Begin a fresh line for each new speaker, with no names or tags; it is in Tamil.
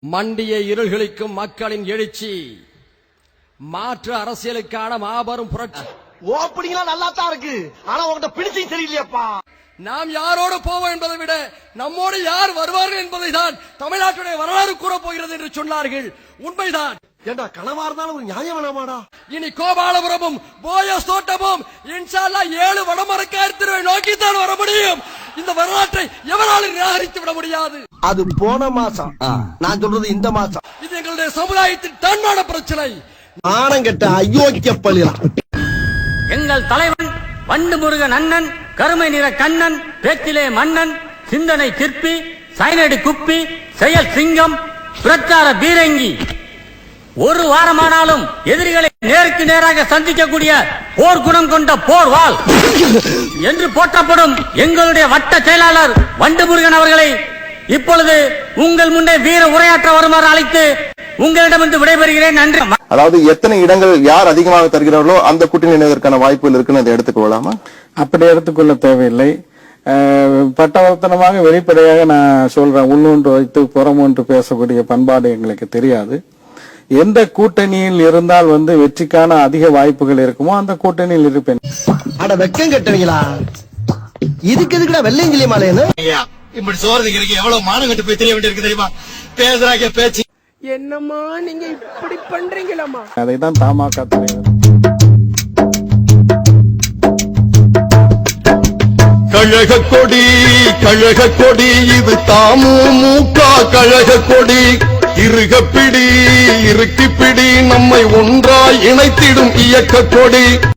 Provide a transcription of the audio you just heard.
மண்டிய இருள்களுக்கும் மக்களின் எழுச்சி மாற்று அரசியலுக்கான மாபெரும் புரட்சி.
ஓப்பனிங்லாம் நல்லா தான் இருக்கு, ஆனா உங்ககிட்ட பிடிச்சி சரியில்லையாப்பா.
நாம் யாரோடு போவோம் என்பதை விட நம்மோடு யார் வருவார்கள் என்பதை தான் தமிழ்நாட்டுடைய வரலாறு கூற போகிறது என்று சொன்னார்கள். உண்மைதான்.
ஏண்டா கனவா இருந்தாலும் ஒரு நியாயம் வேணாமாடா?
இனி கோபாலபுரமும் போயஸ் தோட்டமும் இன்ஷா அல்லாஹ் 7 வடமரக்கார் திருவை நோக்கித்தான் வர முடியும். இந்த வரலாற்றை எவராலும் நிராகரித்து விட முடியாது.
அது போன மாசம், நான் சொல்றது இந்த மாசம்.
இது எங்களுடைய சமுதாயத்தின் தன்மான பிரச்சனை.
ஆனங்கட்ட அயோக்கிய பள்ளியா.
எங்கள் தலைவன் வண்டு முருகன் அண்ணன், கருமை நிற கண்ணன், பேச்சிலே மன்னன், சிந்தனை சிற்பி, சைனடி குப்பி, செயல் சிங்கம், பிரச்சார பீரங்கி. ஒரு வாரமானாலும் எதிரிகளை நேருக்கு நேராக சந்திக்கக்கூடிய போர் குணம் கொண்ட போர்வாள் என்று போற்றப்படும் எங்களுடைய வட்ட செயலாளர் வண்டு முருகன் அவர்களை இப்பொழுது உங்கள் முன்னே வீர உரையாற்ற வருமாறு அழைத்து உங்களிடமிருந்து விடைபெறுகிறேன். நன்றி.
அதாவது எத்தனை இடங்கள் யார் அதிகமாக தருகிறார்களோ அந்த கூட்டணி இணைவதற்கான வாய்ப்புகள் இருக்குன்னு அதை எடுத்துக்கொள்ளலாமா?
அப்படி எடுத்துக்கொள்ள தேவையில்லை. பட்டவர்த்தனமாக வெளிப்படையாக நான் சொல்றேன், உள்ளொன்று வைத்து புறமொன்று பேசக்கூடிய பண்பாடு எங்களுக்கு தெரியாது. எந்த கூட்டணியில் இருந்தால் வெற்றிக்கான அதிக வாய்ப்புகள் இருக்குமோ அந்த கூட்டணியில் இருப்பேன்.
அட வெக்கம் கட்டுவீங்களா? இதுக்கு எதுக்குடா வெள்ளையங்கிலி மாலைன்னு
இப்படி சோறதுக்கு இருக்கு எவ்வளவு மானம் கட்டு போய் தெரிய வேண்டியிருக்கு தெரியுமா? பேசுறாங்க பேச்சு.
என்னம்மா நீங்க இப்படி பண்றீங்களா?
அதைதான் தமாக தலைவர்
கழக கொடி கழக கொடி இது தமுமுக கழக கொடி. இருக பிடி இறுக்கி பிடி நம்மை ஒன்றாய் இணைத்திடும் இயக்க கொடி.